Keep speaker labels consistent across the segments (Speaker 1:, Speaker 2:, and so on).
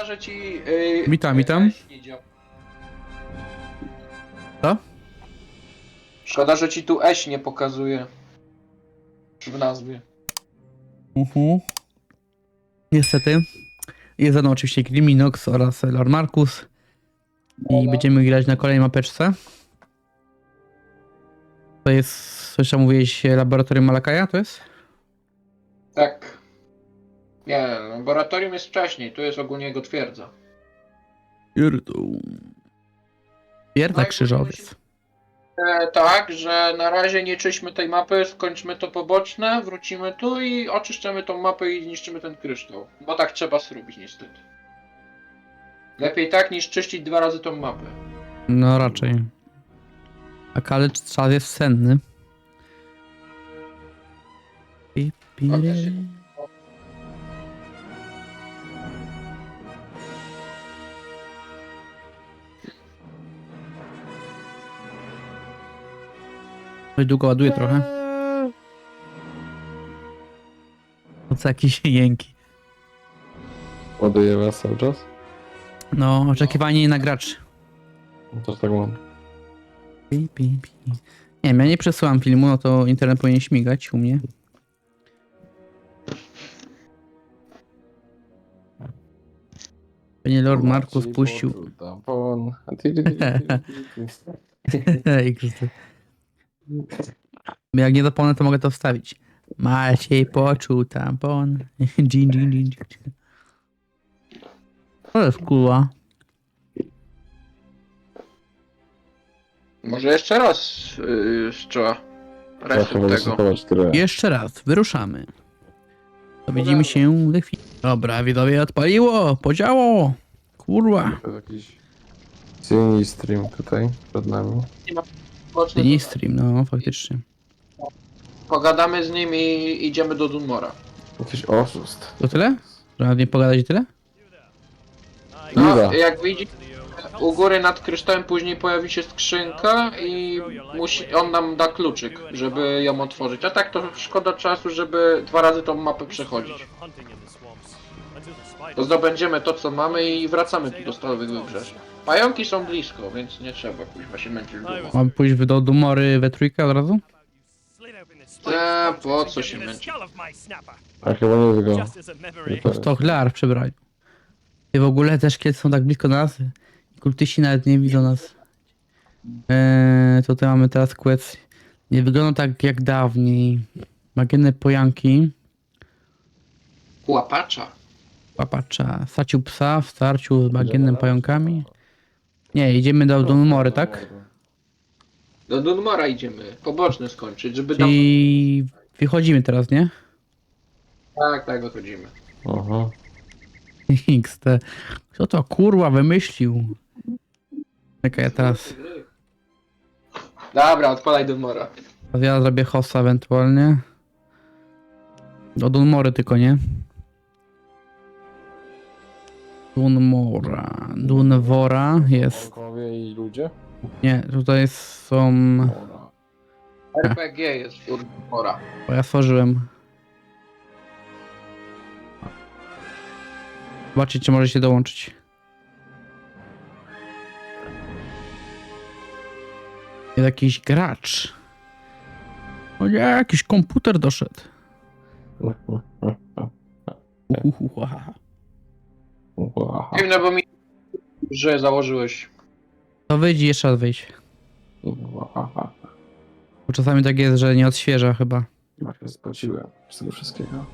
Speaker 1: Szkoda, że ci...
Speaker 2: Witam.
Speaker 1: nie działa.
Speaker 2: Co?
Speaker 1: Szkoda, że ci tu Eś nie pokazuje. W nazwie.
Speaker 2: Niestety. Jest ze mną oczywiście Griminox oraz Lord Markus. I będziemy grać na kolejnej mapeczce. To jest, coś tam mówiłeś, laboratorium Malakaja, to jest?
Speaker 1: Tak. Nie, laboratorium jest wcześniej, tu jest ogólnie jego twierdza.
Speaker 2: Twierdza
Speaker 1: No i
Speaker 2: Krzyżowiec.
Speaker 1: Tak, że na razie nie czyśmy tej mapy, skończmy to poboczne, wrócimy tu i oczyszczamy tą mapę i zniszczymy ten kryształ. Bo tak trzeba zrobić niestety. Lepiej tak niż czyścić 2 razy tą mapę.
Speaker 2: No raczej. Tak, ale czas jest senny. Dość długo ładuje trochę. To co jakieś jęki.
Speaker 3: Ładuje was cały czas?
Speaker 2: No, oczekiwanie na graczy.
Speaker 3: Też tak mam.
Speaker 2: Nie wiem, ja nie przesyłam filmu, no to internet powinien śmigać u mnie. Panie Lord Markus puścił.
Speaker 3: Tampon.
Speaker 2: Ej, Krzysztof. Jak nie zapomnę, to mogę to wstawić. Maciej poczuł tampon. Dżin. To jest kurwa.
Speaker 1: Może jeszcze raz trzeba resztę tego.
Speaker 2: Jeszcze raz, wyruszamy. To widzimy się za chwilę. Dobra, widzowie, odpaliło, podziało. Kurwa.
Speaker 3: To jest jakiś silny stream tutaj przed nami.
Speaker 2: Mini stream, no faktycznie.
Speaker 1: Pogadamy z nim i idziemy do Dunmora.
Speaker 3: Jakiś oszust.
Speaker 2: To tyle? Że nie pogadać i tyle?
Speaker 1: No,
Speaker 3: Iza.
Speaker 1: jak widzisz, u góry nad kryształem później pojawi się skrzynka i on nam da kluczyk, żeby ją otworzyć. A tak to szkoda czasu, żeby 2 razy tą mapę przechodzić. To zdobędziemy to, co mamy i wracamy tu do Stalowych Wybrzeży. Pająki są blisko, więc nie trzeba kuźwa się męczyć w domu.
Speaker 2: Mam pójść do Dumory we trójkę od razu?
Speaker 1: Po co się męczyć?
Speaker 3: A chyba nie wygląda.
Speaker 2: Po 100 lar przebrali. I w ogóle też kiedy są tak blisko nas, kultyści nawet nie widzą nas. Tutaj mamy teraz quest. Nie wygląda tak jak dawniej. Magienne pojanki.
Speaker 1: Łapacza.
Speaker 2: Łapacza. Sacił psa w starciu z bagiennym pająkami. Nie, idziemy do Dumory, tak?
Speaker 1: Do Dunmora idziemy, poboczne skończyć, żeby tam...
Speaker 2: I wychodzimy teraz, nie?
Speaker 1: Tak, wychodzimy.
Speaker 3: Aha.
Speaker 2: XT. Kto to kurwa wymyślił? Czekaj, ja teraz
Speaker 1: Dobra, odpalaj Dunmora.
Speaker 2: ja zrobię hossa ewentualnie. Do Dunmory tylko, nie? Dunwora jest.
Speaker 3: Pająkowie i ludzie?
Speaker 2: Nie, tutaj są.
Speaker 3: Dobra.
Speaker 1: RPG jest u Dunmora.
Speaker 2: Bo ja stworzyłem. Zobaczcie, czy możecie dołączyć. Jest jakiś gracz. O nie, jakiś komputer doszedł. Uhuhuhuha.
Speaker 3: Wow.
Speaker 1: Dziwne, bo mi... że założyłeś.
Speaker 2: To wyjdź i jeszcze raz wyjdź. Bo czasami tak jest, że nie odświeża chyba.
Speaker 3: Ja się spociłem z tego wszystkiego.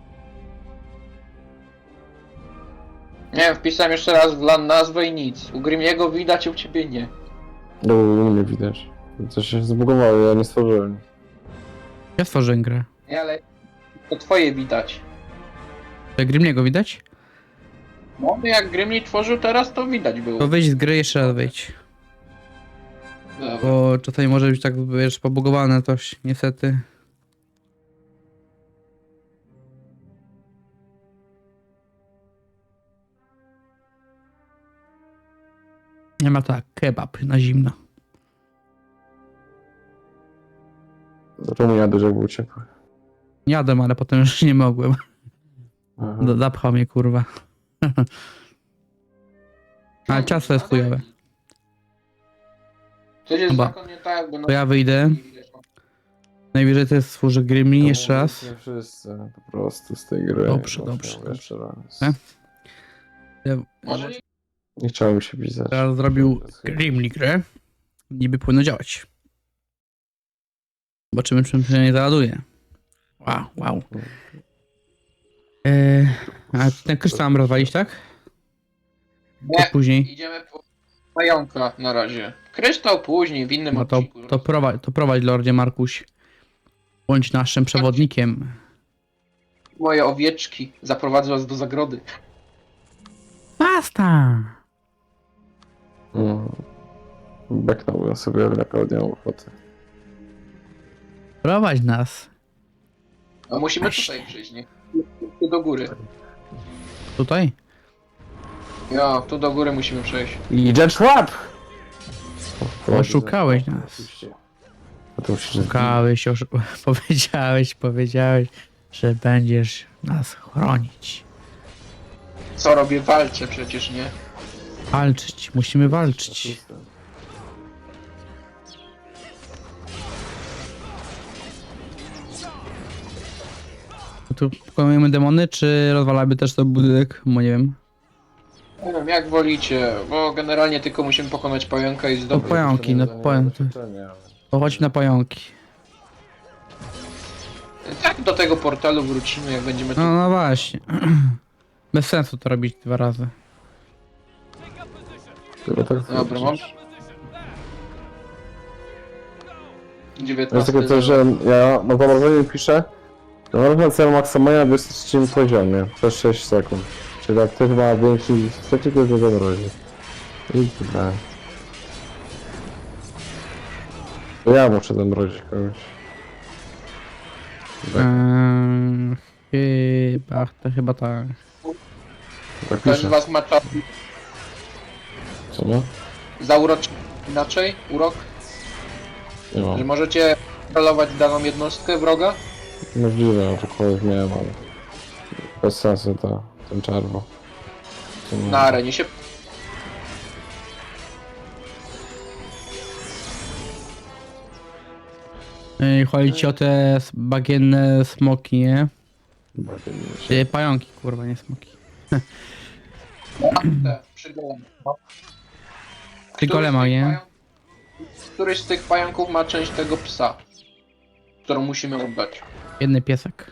Speaker 1: Nie wiem, wpisałem jeszcze raz w LAN nazwę i nic. U Grimiego widać, u ciebie nie.
Speaker 3: No, nie widać. Coś się zbugowało, ja nie stworzyłem.
Speaker 2: Ja stworzyłem grę.
Speaker 1: Nie, ale to twoje widać.
Speaker 2: To Grimniego widać?
Speaker 1: No, jak Grimni tworzył teraz, to widać było.
Speaker 2: To wyjdź z gry, jeszcze raz wyjdź.
Speaker 1: Dobra.
Speaker 2: Bo czasami może być tak, wiesz, pobugowane coś, niestety. Nie ma tak, kebab na zimno.
Speaker 3: Zaczął mi jadać, jak był ciepły.
Speaker 2: Jadłem, ale potem już nie mogłem.
Speaker 3: Aha.
Speaker 2: Zapchał mnie, kurwa. Ale ciasto jest chujowe.
Speaker 1: Coś jest
Speaker 2: Chyba.
Speaker 1: zakonnie tak, bo
Speaker 2: To ja wyjdę. Najwyżej to jest służy Grimli jeszcze raz.
Speaker 3: Nie wszyscy po prostu z tej gry.
Speaker 2: Dobrze,
Speaker 3: Właśnie
Speaker 2: dobrze,
Speaker 3: jeszcze raz.
Speaker 2: Ja
Speaker 1: Może nie.
Speaker 3: Nie chciałem się pisać.
Speaker 2: teraz zrobił Grimli grę. Niby powinno działać. Zobaczymy, czym się nie załaduje. Wow, wow. A ten kryształ mam rozwalić, tak?
Speaker 1: Nie,
Speaker 2: To później.
Speaker 1: idziemy po pająka na razie. Kryształ później, w innym
Speaker 2: No to,
Speaker 1: odcinku.
Speaker 2: to prowadź, Lordzie Markuś. Bądź naszym przewodnikiem.
Speaker 1: Moje owieczki, zaprowadzę was do zagrody.
Speaker 2: Basta!
Speaker 3: Beknąłbym sobie, ale taką nie mam ochoty.
Speaker 2: Prowadź nas.
Speaker 1: A musimy
Speaker 2: Właśnie.
Speaker 1: tutaj przyjść, nie? Tu do góry.
Speaker 2: Tutaj?
Speaker 1: Ja, tu do góry musimy przejść.
Speaker 3: Idzie trap!
Speaker 2: Oszukałeś nas.
Speaker 3: Oczywiście. A to musisz...
Speaker 2: Szukałeś, powiedziałeś, że będziesz nas chronić.
Speaker 1: Co robię? Walczę przecież, nie?
Speaker 2: Walczyć, musimy walczyć. Tu pokonujemy demony, czy rozwalamy też ten budynek? Bo nie wiem.
Speaker 1: Nie wiem, jak wolicie, bo generalnie tylko musimy pokonać pająka i zdobyć.
Speaker 2: pająki, no pająki. To chodźmy na pająki.
Speaker 1: Tak do tego portalu wrócimy, jak będziemy tu.
Speaker 2: No właśnie. Bez sensu to robić 2 razy.
Speaker 3: Chyba tak
Speaker 1: Dobra, mam.
Speaker 3: Jest
Speaker 1: 19.
Speaker 3: tylko to, że ja na zamrożeniu piszę, na cel maksymalnie na 23 poziomie, przez 6 sekund. Czyli jak ktoś ma większy niż trzeci, to go zamrozi. I tyle. To ja muszę zamrozić kogoś. Tak,
Speaker 2: Chyba tak.
Speaker 3: tak
Speaker 1: Ktoś z
Speaker 3: piszę.
Speaker 1: was ma czas
Speaker 3: Co no?
Speaker 1: zauroczyć inaczej? Urok?
Speaker 3: Nie
Speaker 1: Że
Speaker 3: mam.
Speaker 1: możecie kontrolować daną jednostkę wroga?
Speaker 3: Możliwe, aczkolwiek miałem, ale... Bez sensu to, ten czarwo. Co nie?
Speaker 1: Na arenie się.
Speaker 2: Chodzi ci o te bagienne smoki, nie?
Speaker 3: Bardziej mi się-
Speaker 2: Pająki, kurwa, nie smoki.
Speaker 1: Te, przy golemie.
Speaker 2: Przy golema, nie?
Speaker 1: Któryś z tych pająków ma część tego psa, którą musimy oddać.
Speaker 2: Jedny piesek.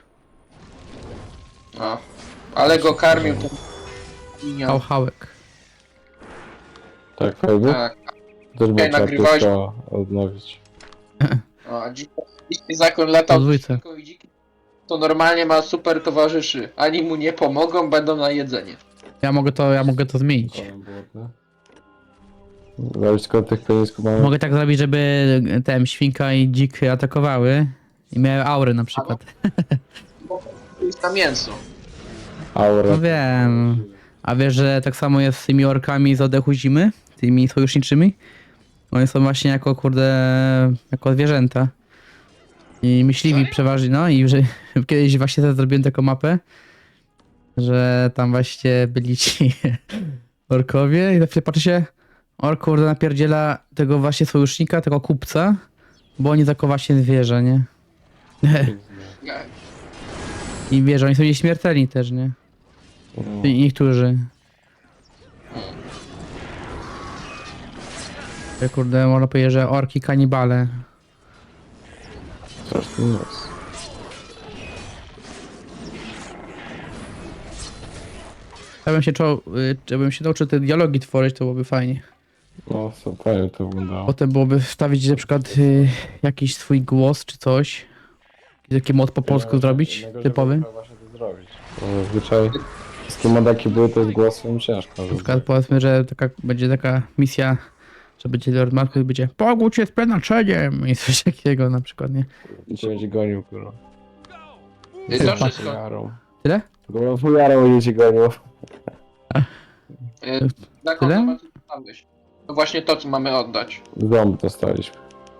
Speaker 1: A. Ale go karmił ten linia.
Speaker 2: Hałek.
Speaker 3: Tak, fajnie?
Speaker 1: Tak.
Speaker 3: Też było trzeba
Speaker 1: nagrywałeś-
Speaker 3: pieska odnowić.
Speaker 1: A dziki zakon latał
Speaker 2: Podwójce.
Speaker 1: z świnką i dziki. To normalnie ma super towarzyszy. Ani mu nie pomogą, będą na jedzenie.
Speaker 2: Ja mogę to zmienić.
Speaker 3: Zależy tylko od tych penisków mamy.
Speaker 2: Mogę tak zrobić, żeby świnka i dzik atakowały i miały aury na przykład.
Speaker 1: Bo to jest na mięso.
Speaker 3: Aurę.
Speaker 2: No wiem. A wiesz, że tak samo jest z tymi orkami z oddechu zimy? Tymi sojuszniczymi? One są właśnie jako, kurde, jako zwierzęta. I myśliwi
Speaker 1: Serio?
Speaker 2: przeważnie, no i że kiedyś właśnie też zrobiłem taką mapę, że tam właśnie byli ci orkowie i zawsze patrzy się, ork kurde napierdziela tego właśnie sojusznika, tego kupca, bo oni zakowa się zwierzę, nie? I wiesz, oni są nieśmiertelni też, nie? I niektórzy. Kurde, można powiedzieć, że orki kanibale.
Speaker 3: Straszny nos.
Speaker 2: Żebym się nauczył te dialogi tworzyć, to byłoby fajnie.
Speaker 3: No, co fajnie to wyglądało.
Speaker 2: Potem byłoby wstawić na przykład jakiś swój głos czy coś. Taki mod po polsku zrobić, typowy.
Speaker 3: Właśnie to zrobić. Bo zazwyczaj wszystkie modaki były to z głosem ciężko.
Speaker 2: Na przykład powiedzmy, że będzie taka misja, że będzie Lord Markus i będzie pogódź się z przenaczeniem i coś takiego na przykład, nie?
Speaker 3: I cię będzie gonił, kurwa.
Speaker 1: I to wszystko.
Speaker 3: Fujarą.
Speaker 2: Tyle?
Speaker 3: Kurwa, fujarą będzie cię gonił.
Speaker 1: Zakon
Speaker 2: Tyle?
Speaker 1: zobacz, co dostałeś. To właśnie to, co mamy oddać.
Speaker 3: Ząb dostaliśmy.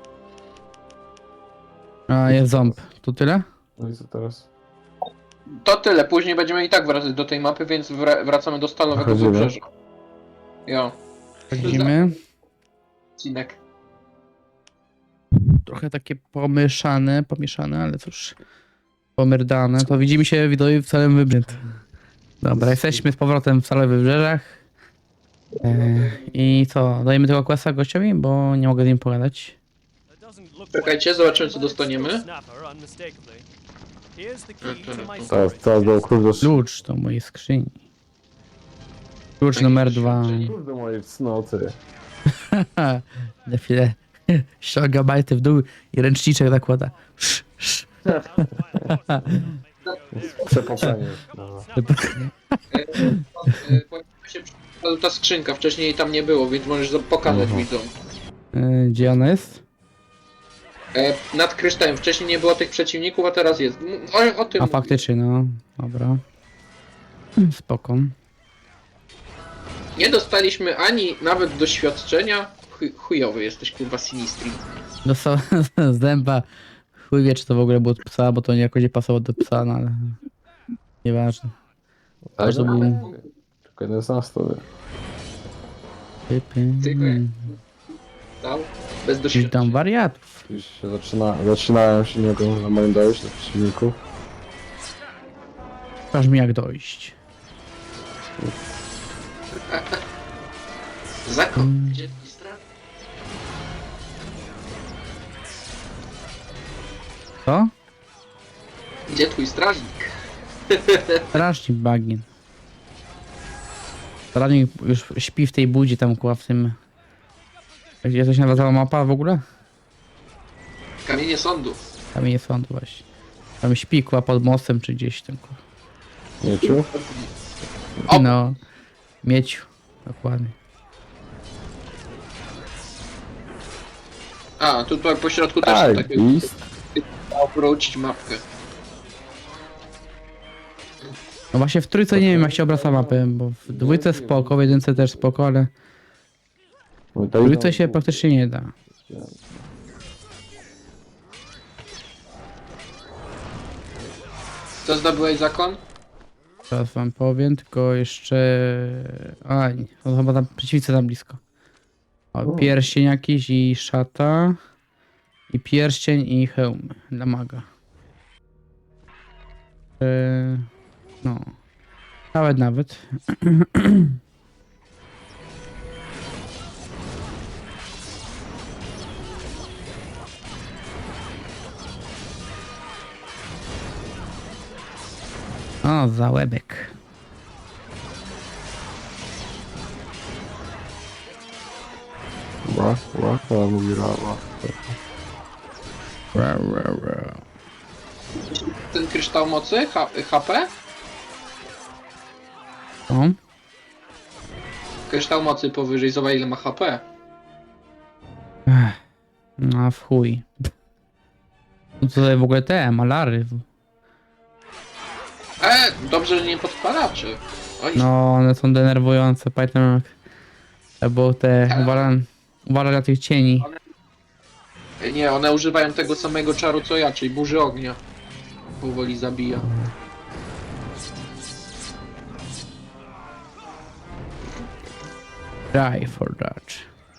Speaker 2: A, jest ząb. To tyle?
Speaker 3: No i co teraz?
Speaker 1: To tyle, później będziemy i tak wracać do tej mapy, więc wracamy do stalowego
Speaker 3: Wychodzimy?
Speaker 1: wybrzeża. Jo.
Speaker 2: Wchodzimy.
Speaker 1: Odcinek.
Speaker 2: Trochę takie pomieszane, ale cóż. Pomerdane. To widzimy się widzowie w całym wybrzeżu. Dobra, jesteśmy z powrotem w całych wybrzeżach. I co, dajemy tego questa gościowi, bo nie mogę z nim pogadać.
Speaker 1: Czekajcie, zobaczymy co dostaniemy.
Speaker 3: Teraz był klucz do
Speaker 2: Klucz do mojej skrzyni. Klucz numer 2.
Speaker 3: Klucz do mojej cnoty.
Speaker 2: Na chwilę ściąga bajty w dół i ręczniczek zakłada.
Speaker 3: Przepokanie.
Speaker 1: Się przypadła ta skrzynka, wcześniej jej tam nie było, więc możesz pokazać widzom.
Speaker 2: Gdzie ona jest?
Speaker 1: Nad kryształem, wcześniej nie było tych przeciwników, a teraz jest. O tym
Speaker 2: A
Speaker 1: mówię.
Speaker 2: faktycznie, no. Dobra. Spoko.
Speaker 1: Nie dostaliśmy ani nawet doświadczenia. Chujowy jesteś, kurwa, Sinistri.
Speaker 2: Dostał z dęba. Chuj wie, czy to w ogóle było od psa, bo to jakoś nie pasowało do psa, no ale... Nieważne. Ale to był...
Speaker 3: Tylko jeden z nas to wie.
Speaker 1: Tylko jak- Dał? Bez
Speaker 2: Witam
Speaker 1: doświadczenia.
Speaker 2: wariatów.
Speaker 3: Już się zaczynają się nie mogą na moim dojść do przeciwników.
Speaker 2: Pokaż mi jak dojść.
Speaker 1: Zakon. Gdzie twój strażnik?
Speaker 2: Co?
Speaker 1: Gdzie twój strażnik?
Speaker 2: Strażnik bagien. Strażnik już śpi w tej budzie tam kurwa w tym... Gdzie to się nazywała mapa w ogóle?
Speaker 1: Kamienie sądu.
Speaker 2: Tam nie sądu właśnie. Tam śpi kurwa pod mostem czy gdzieś tam kurwa.
Speaker 3: Mieciu?
Speaker 1: O!
Speaker 2: No. Mieciu. Dokładnie.
Speaker 1: A, tutaj po środku też
Speaker 3: Tak,
Speaker 1: są takie...
Speaker 3: list.
Speaker 1: Obrócić mapkę.
Speaker 2: No właśnie w trójce nie wiem jak się obraca mapy, bo w dwójce spoko, w jedynce też spoko, ale w trójce się praktycznie nie da.
Speaker 1: Co zdobyłeś zakon?
Speaker 2: Teraz wam powiem, tylko jeszcze... A, nie, to chyba tam przeciwnicy tam blisko. O, pierścień jakiś i szata. I pierścień i hełm dla maga. No. Nawet. O, załebek.
Speaker 3: Ona mówi rawa.
Speaker 1: Ten kryształ mocy? HP?
Speaker 2: O,
Speaker 1: Kryształ mocy powyżej, zobacz ile ma HP.
Speaker 2: no w chuj. No to tutaj w ogóle te malary.
Speaker 1: Dobrze, że nie podpalacze. Oj,
Speaker 2: No, one są denerwujące. Pamiętam jak... Albo te... Uważaj na tych cieni.
Speaker 1: nie, one używają tego samego czaru co ja, czyli burzy ognia. Powoli zabija.
Speaker 2: Die for that.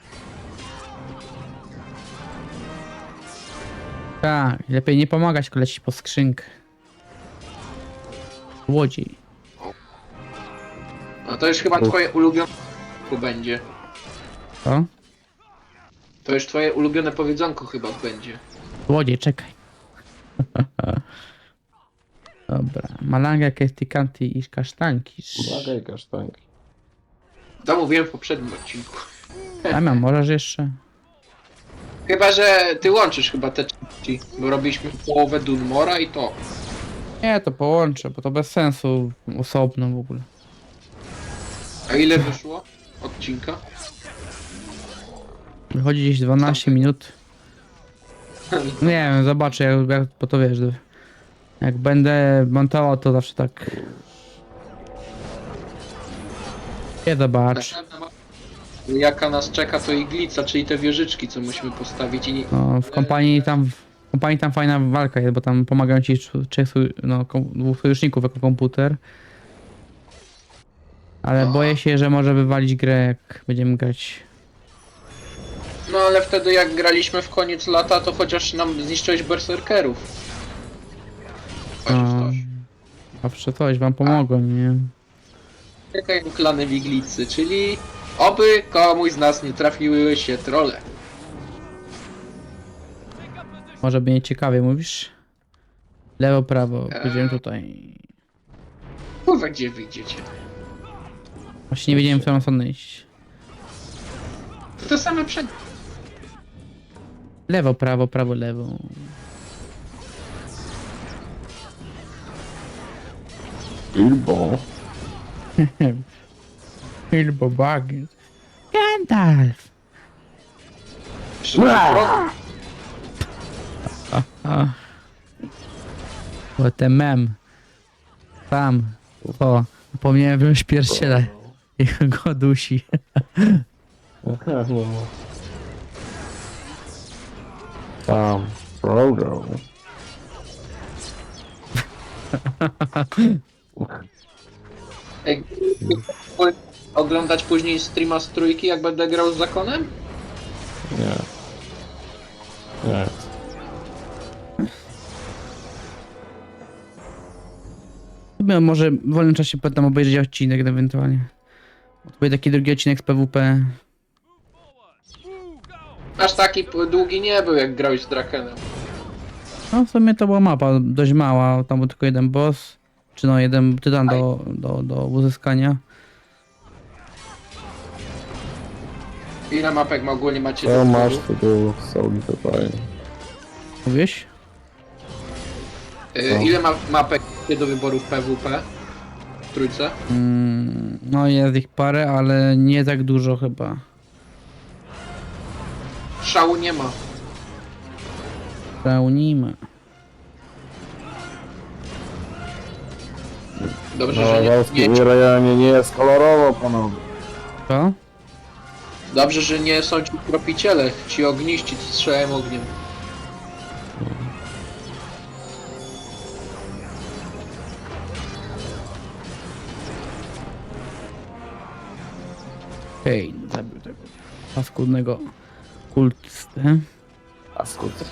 Speaker 2: Tak, lepiej nie pomagać, tylko lecieć po skrzynkę. Łodziej.
Speaker 1: No to już chyba twoje ulubione będzie.
Speaker 2: Co?
Speaker 1: To już twoje ulubione powiedzonko chyba będzie.
Speaker 2: Łodziej, czekaj. Dobra. Malanga, kestikanti i kasztanki.
Speaker 3: Uwaga i kasztanki.
Speaker 1: To mówiłem w poprzednim odcinku.
Speaker 2: Damian, możesz jeszcze?
Speaker 1: Chyba, że ty łączysz chyba te części, bo robiliśmy połowę Dunmora i to.
Speaker 2: Nie, to połączę, bo to bez sensu osobno w ogóle.
Speaker 1: A ile wyszło odcinka?
Speaker 2: Wychodzi gdzieś 12 minut. Nie wiem, zobaczę, jak bo to wiesz, jak będę montował, to zawsze tak. Nie zobacz.
Speaker 1: Następna mapa, jaka nas czeka, to iglica, czyli te wieżyczki, co musimy postawić i nie...
Speaker 2: No, w kompanii tam fajna walka jest, bo tam pomagają ci trzech dwóch sojuszników jako komputer. Ale
Speaker 1: No.
Speaker 2: boję się, że może wywalić grę, jak będziemy grać.
Speaker 1: No ale wtedy jak graliśmy w koniec lata, to chociaż nam zniszczyłeś berserkerów. Chociaż
Speaker 2: No.
Speaker 1: coś.
Speaker 2: Zawsze coś, wam pomogłem, nie?
Speaker 1: Czekaj, klany Wiglicy, czyli oby komuś z nas nie trafiły się trolle.
Speaker 2: Może będzie ciekawie, mówisz? Lewo, prawo, pójdziemy tutaj.
Speaker 1: Kurwa, gdzie wyjdziecie?
Speaker 2: Właśnie nie wiedziałem, w którą stronę iść.
Speaker 1: To same przed...
Speaker 2: Lewo, prawo, lewo.
Speaker 3: Bilbo.
Speaker 2: Bilbo Baggins. Gandalf! A. What a mem. Tam. O, zapomniałem wziąć pierściela. I go dusi.
Speaker 3: Tam. Frodo.
Speaker 1: Ej, oglądać później streama z trójki, jak będę grał z zakonem?
Speaker 3: Nie. Nie.
Speaker 2: Może w wolnym czasie potem obejrzeć odcinek ewentualnie. To będzie taki drugi odcinek z PWP.
Speaker 1: Aż taki długi nie był, jak grałeś z Drakenem.
Speaker 2: No w sumie to była mapa dość mała, tam był tylko jeden boss. Czy no jeden tytan do uzyskania.
Speaker 1: Ile mapek ogólnie macie
Speaker 3: Co
Speaker 1: do
Speaker 3: masz
Speaker 1: wyboru?
Speaker 3: tu soli tutaj?
Speaker 2: Mówisz?
Speaker 1: Ile mapek macie do wyboru w PWP? W trójce?
Speaker 2: No jest ich parę, ale nie tak dużo chyba.
Speaker 1: Szału nie ma.
Speaker 2: Pełnimy.
Speaker 1: Dobrze,
Speaker 3: No,
Speaker 1: że
Speaker 3: Wąskie
Speaker 1: nie,
Speaker 3: rejonie nie jest kolorowo, panowie.
Speaker 2: Co?
Speaker 1: dobrze, że nie są ci tropiciele, ci ogniści, co strzelają ogniem.
Speaker 2: Hej, zabił tego paskudnego kultystę.
Speaker 3: A skut.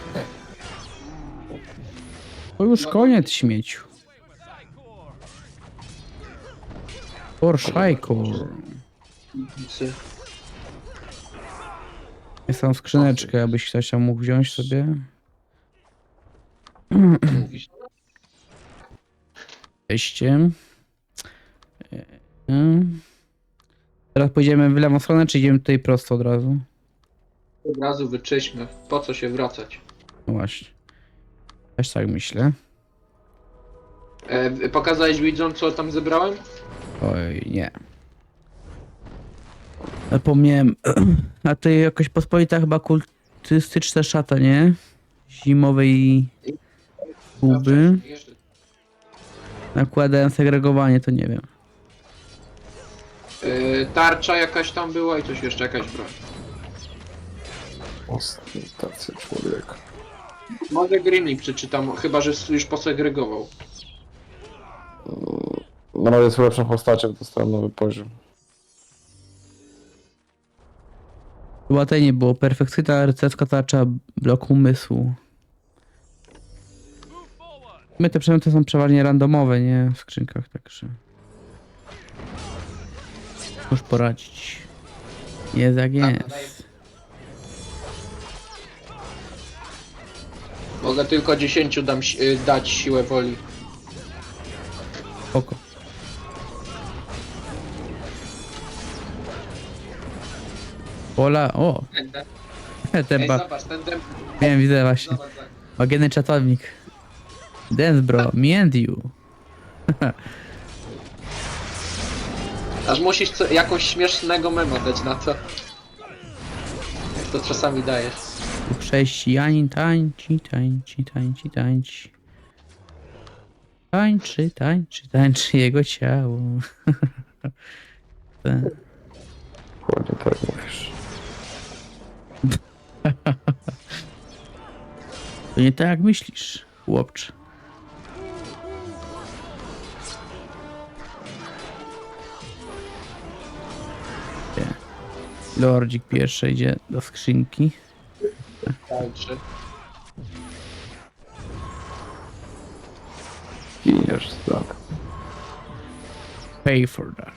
Speaker 2: To już koniec śmieciu. Porszajku. Jest tam skrzyneczkę, abyś ktoś tam mógł wziąć sobie.
Speaker 1: Mówisz.
Speaker 2: Wejście. Teraz pójdziemy w lewą stronę, czy idziemy tutaj prosto od razu?
Speaker 1: Od razu wyczyśmy. Po co się wracać?
Speaker 2: No właśnie. Też tak myślę.
Speaker 1: Pokazałeś widzom, co tam zebrałem?
Speaker 2: Oj, nie. Zapomniałem. A to jakoś pospolita chyba kultystyczna szata, nie? Zimowej guby.
Speaker 1: Jeszcze.
Speaker 2: Nakładałem segregowanie, to nie wiem.
Speaker 1: Tarcza jakaś tam była i coś jeszcze, jakaś broń.
Speaker 3: Ostentacja człowieka.
Speaker 1: Może Grimlik przeczytam, chyba że już posegregował.
Speaker 3: No jest lepszą postacią, dostałem nowy poziom.
Speaker 2: Chyba tej nie było. Perfekcyjna rycerska tarcza bloku umysłu. My te przedmioty są przeważnie randomowe, nie? W skrzynkach, także... Już poradzić. Jest jak jest.
Speaker 1: Mogę tylko 10 dać siłę woli.
Speaker 2: Spoko. Pola, o!
Speaker 1: Ej,
Speaker 2: Tempa.
Speaker 1: zobacz, ten dem...
Speaker 2: Wiem, widzę właśnie.
Speaker 1: Zobacz, zobacz.
Speaker 2: Magienny czatownik. Dance bro, me and you.
Speaker 1: Aż musisz jakąś śmiesznego mema dać na to. Jak to czasami dajesz.
Speaker 2: Chrześcijanin tańczy, tańczy, tańczy, tańczy. Tańczy, tańczy, tańczy jego ciało. Tak.
Speaker 3: Dokładnie tak mówisz.
Speaker 2: To nie tak jak myślisz, chłopcze. Lordzik pierwszy idzie do skrzynki.
Speaker 1: Także.
Speaker 3: Giniesz, tak.
Speaker 2: Pay for that.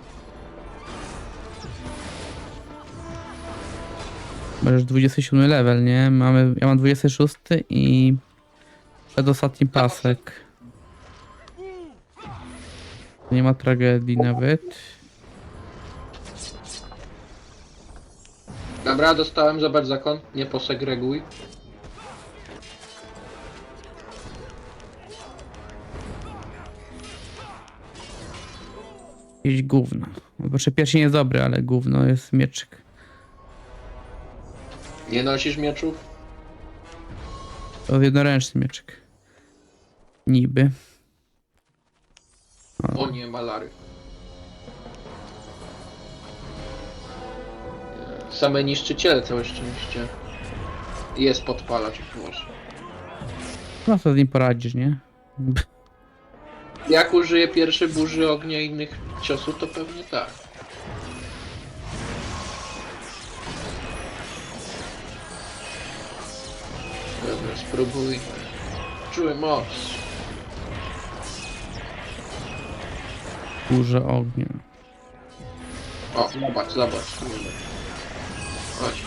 Speaker 2: Możesz 27 level, nie? Ja mam 26 i przedostatni pasek. Nie ma tragedii nawet.
Speaker 1: Dobra, dostałem, zobacz zakon, nie posegreguj.
Speaker 2: Jakieś gówno. Znaczy pierścień jest dobry, ale gówno jest mieczyk.
Speaker 1: Nie nosisz mieczów?
Speaker 2: To jest jednoręczny mieczyk. Niby.
Speaker 1: O nie, malary. Same niszczyciele, całe szczęście. Jest podpalacz, proszę.
Speaker 2: No co z nim poradzisz, nie?
Speaker 1: Jak użyję pierwszy burzy ognia i innych ciosów, to pewnie tak. Dobra, spróbuj. Czuły moc.
Speaker 2: Burza ognia.
Speaker 1: O, zobacz. Chodź.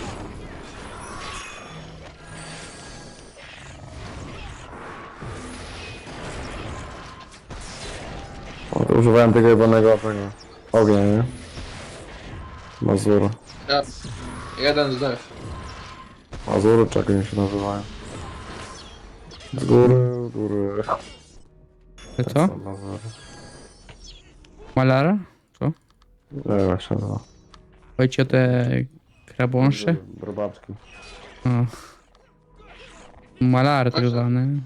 Speaker 3: O, to używałem tego jebanego ognia, nie? Mazury.
Speaker 1: Ja. Jeden zdech.
Speaker 3: Mazury, czy jak oni się nazywają? Z góry.
Speaker 2: To co?
Speaker 3: Mazury.
Speaker 2: Malara? Co?
Speaker 3: Nie wiem jak się nazywa.
Speaker 2: Chodzi o te krabąsze?
Speaker 3: Robaczki.
Speaker 2: O. Malary tak zwane.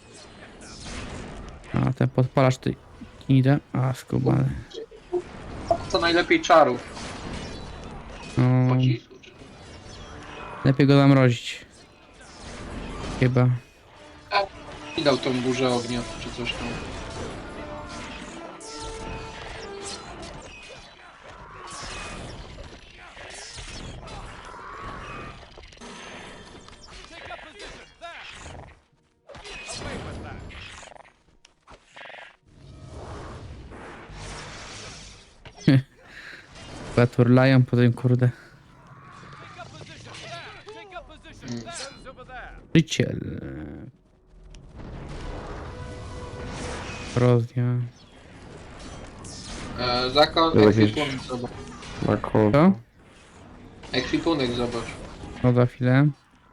Speaker 2: A ten podpalacz ty idę. A skubany.
Speaker 1: Co najlepiej czarów.
Speaker 2: No,
Speaker 1: Pocisku, czy...
Speaker 2: lepiej go zamrozić. Chyba.
Speaker 1: I dał tą burzę ognia, czy coś tam.
Speaker 2: Chyba turlają po tym kurde. Życiel. Korozja.
Speaker 1: Zakon,
Speaker 3: Jakieś-
Speaker 1: ekwipunek zobacz.
Speaker 3: Na kół.
Speaker 2: Co?
Speaker 1: Ekwipunek zobacz.
Speaker 2: No za chwilę.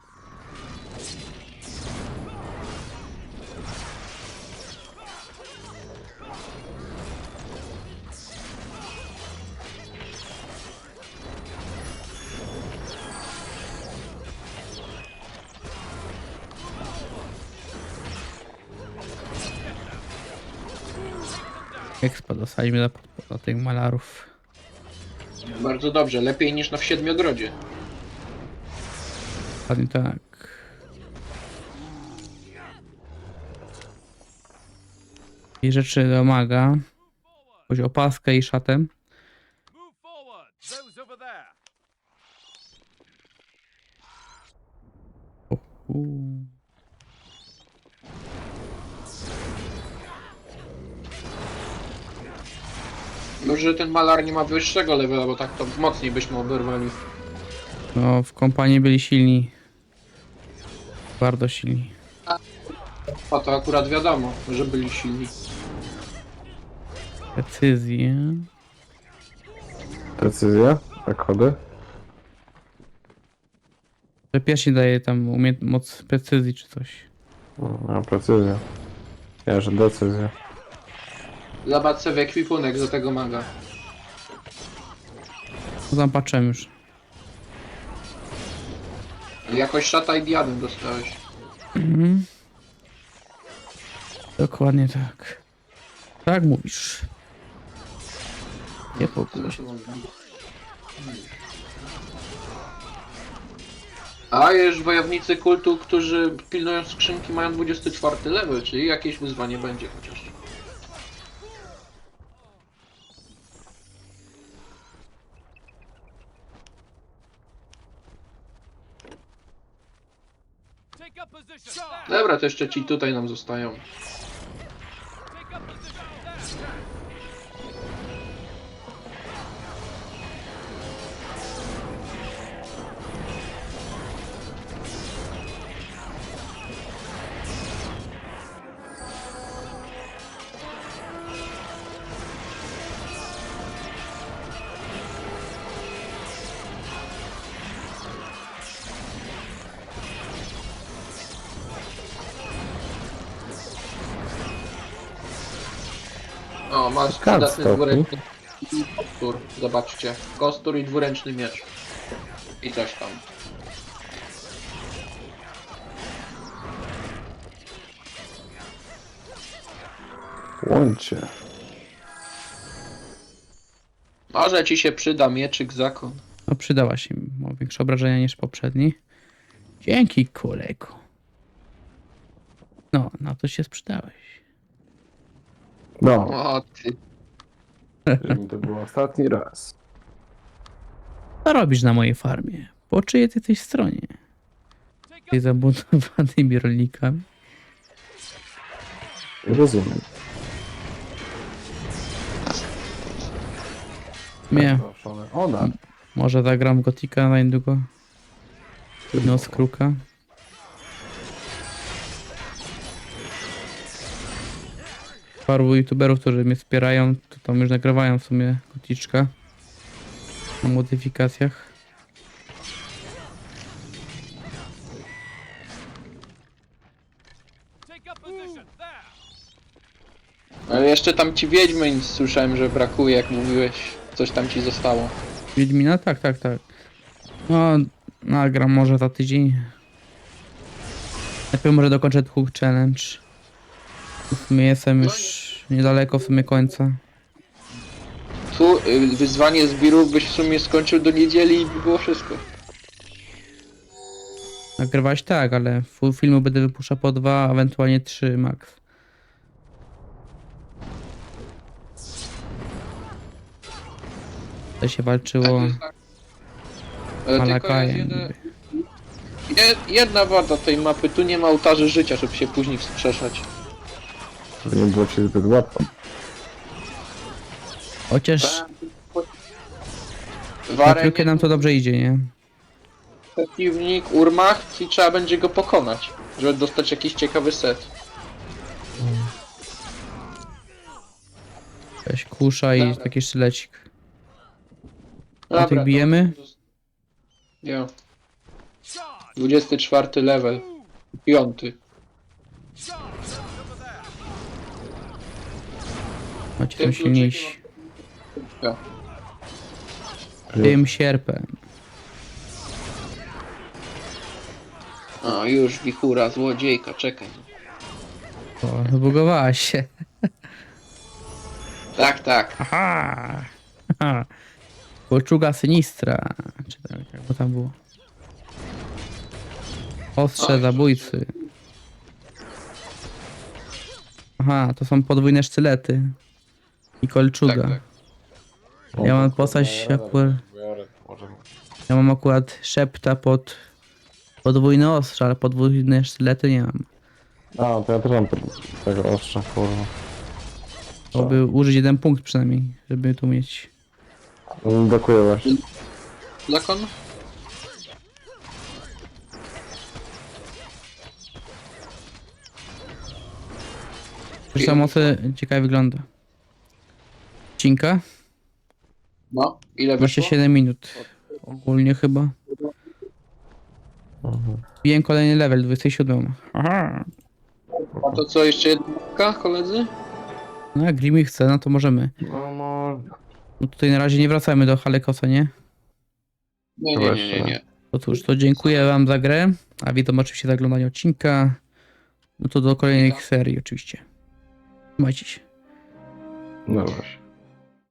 Speaker 2: Expo dostaliśmy do tych malarów.
Speaker 1: Bardzo dobrze, lepiej niż w Siedmiogrodzie.
Speaker 2: Dokładnie tak. I rzeczy domaga. Chodzi o opaskę i szatę.
Speaker 4: Move forward. Those over there.
Speaker 1: Może ten malar nie ma wyższego levela, bo tak to mocniej byśmy oberwali.
Speaker 2: No, w kompanii byli silni. Bardzo silni.
Speaker 1: A to akurat wiadomo, że byli silni.
Speaker 2: Precyzję.
Speaker 3: Precyzja? Tak chody?
Speaker 2: Że pierścień daje tam moc precyzji czy coś.
Speaker 3: A, precyzja. Ja, że decyzja.
Speaker 1: Zobacz sobie ekwipunek do tego maga.
Speaker 2: No tam patrzyłem już.
Speaker 1: Jakoś szata i diadem dostałeś.
Speaker 2: Mhm. Dokładnie tak. Tak mówisz. Nie pokój się.
Speaker 1: A już wojownicy kultu, którzy pilnują skrzynki, mają 24 level, czyli jakieś wyzwanie będzie chociaż.
Speaker 4: Take up position there.
Speaker 1: Dobra, to jeszcze ci tutaj nam zostają.
Speaker 4: Take up position there.
Speaker 1: O, masz
Speaker 3: Kart
Speaker 1: przydatny
Speaker 3: stopi.
Speaker 1: dwuręczny kostur. Zobaczcie. Kostur i dwuręczny miecz. I coś tam.
Speaker 3: Łącie.
Speaker 1: Może ci się przyda mieczyk zakon.
Speaker 2: No przydała się mi. Ma większe obrażenia niż poprzedni. Dzięki, kolego. No, na to się sprzedałeś.
Speaker 3: No,
Speaker 1: O ty.
Speaker 3: żeby to był ostatni raz.
Speaker 2: Co robisz na mojej farmie? Po czyjej ty jesteś stronie? Ty zabuntowanymi rolnikami?
Speaker 3: Rozumiem.
Speaker 2: Nie,
Speaker 3: Ona.
Speaker 2: może zagram Gotika na niedługo. Noc Kruka. Paru youtuberów, którzy mnie wspierają, to tam już nagrywają w sumie Goticzka. Na modyfikacjach.
Speaker 4: Take up position there.
Speaker 1: Ale jeszcze tam ci Wiedźmin słyszałem, że brakuje, jak mówiłeś. Coś tam ci zostało.
Speaker 2: Wiedźmina? Tak. No, nagram może za tydzień. Najpierw może dokończę Hook Challenge. W sumie jestem już niedaleko w sumie końca.
Speaker 1: Tu wyzwanie zbirów byś w sumie skończył do niedzieli i by było wszystko.
Speaker 2: Nagrywać tak, ale full filmu będę wypuszczał po 2, ewentualnie 3 max. To się walczyło
Speaker 1: Tak. Ale tylko jest
Speaker 2: Malakajem.
Speaker 1: jedna wada tej mapy, tu nie ma ołtarzy życia, żeby się później wskrzeszać.
Speaker 3: Żeby nie było ci zbyt łatwo.
Speaker 2: Chociaż
Speaker 1: W
Speaker 2: na
Speaker 1: arenie
Speaker 2: piłkę nam to dobrze idzie, nie?
Speaker 1: przeciwnik Urmach i trzeba będzie go pokonać, żeby dostać jakiś ciekawy set.
Speaker 2: Jakaś kusza i
Speaker 1: Dobra.
Speaker 2: taki sztylecik.
Speaker 1: Dobra,
Speaker 2: tych
Speaker 1: to-
Speaker 2: bijemy?
Speaker 1: Nie. 24 level. 5.
Speaker 2: Macie
Speaker 1: Tym
Speaker 2: tam silniejsi.
Speaker 1: Ja.
Speaker 2: Tym sierpem.
Speaker 1: O, już wichura, złodziejka, czekaj.
Speaker 2: O, zbugowała się.
Speaker 1: Tak.
Speaker 2: Aha! Aha. Kolczuga sinistra. Czy tak, jakby tam było. Ostrze
Speaker 1: Oj.
Speaker 2: zabójcy. Aha, to są podwójne sztylety. I kolczuga.
Speaker 1: Tak.
Speaker 2: Ja mam postać akurat... Ja mam akurat szepta pod podwójne ostrze, ale podwójne sztylety nie mam.
Speaker 3: A, to ja też mam tego ostrza, kurwa.
Speaker 2: To by użyć jeden punkt przynajmniej, żeby tu mieć.
Speaker 3: Brakuje właśnie.
Speaker 1: Zakon?
Speaker 2: Zresztą mocy ciekawie wygląda. Odcinka?
Speaker 1: No. Ile wyszło?
Speaker 2: 27 minut. Ogólnie chyba. Biję kolejny level, 27. Aha.
Speaker 1: A to co, jeszcze jedna koledzy?
Speaker 2: No jak Grimy chce, no to możemy.
Speaker 3: No,
Speaker 2: No tutaj na razie nie wracamy do Halekosa, nie?
Speaker 1: Nie.
Speaker 2: To cóż, to dziękuję wam za grę, a witam oczywiście za oglądanie odcinka. No to do kolejnych serii oczywiście. Trzymajcie się.
Speaker 3: no właśnie.